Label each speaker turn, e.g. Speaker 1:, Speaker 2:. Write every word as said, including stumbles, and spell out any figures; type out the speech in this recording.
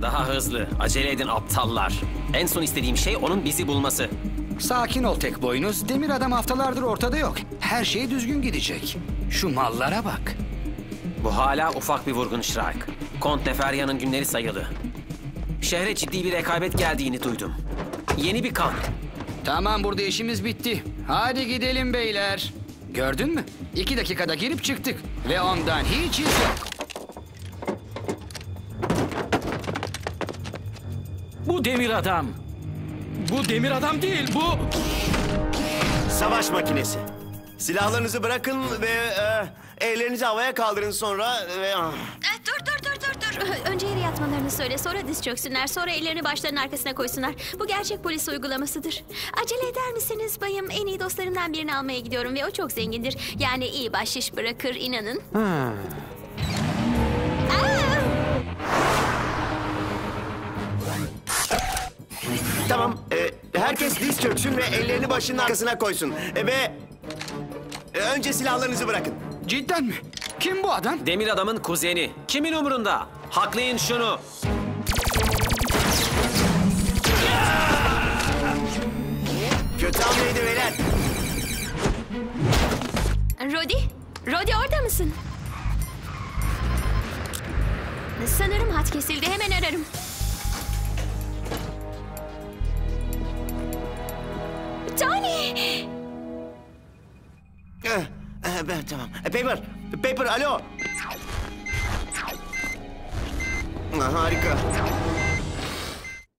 Speaker 1: Daha hızlı. Acele edin aptallar. En son istediğim şey onun bizi bulması.
Speaker 2: Sakin ol tek boynuz. Demir adam haftalardır ortada yok. Her şey düzgün gidecek. Şu mallara bak.
Speaker 1: Bu hala ufak bir vurgun Shrike. Kont Neferya'nın günleri sayılı. Şehre ciddi bir rekabet geldiğini duydum. Yeni bir kan.
Speaker 2: Tamam, burada işimiz bitti. Hadi gidelim beyler. Gördün mü? İki dakikada girip çıktık. Ve ondan hiç iz yok.
Speaker 3: Bu demir adam. Bu demir adam değil, bu...
Speaker 4: Savaş makinesi. Silahlarınızı bırakın ve e, ellerinizi havaya kaldırın sonra ve... ah.
Speaker 5: Eh, Dur dur dur dur dur. Önce yere yatmalarını söyle, sonra diz çöksünler, sonra ellerini başlarının arkasına koysunlar. Bu gerçek polis uygulamasıdır. Acele eder misiniz bayım? En iyi dostlarımdan birini almaya gidiyorum ve o çok zengindir. Yani iyi bahşiş bırakır, inanın. Aa!
Speaker 4: Tamam, e, herkes diz çöksün ve ellerini başının arkasına koysun. E, ve e, önce silahlarınızı bırakın.
Speaker 2: Cidden mi? Kim bu adam?
Speaker 1: Demir adamın kuzeni. Kimin umurunda? Haklayın şunu.
Speaker 4: Kötü hamleydi beyler.
Speaker 5: Rodi? Rodi orada mısın? Sanırım hat kesildi. Hemen ararım. Tony!
Speaker 4: Eh, eh, ben tamam. E, Paper, Paper, alo. Ah, harika.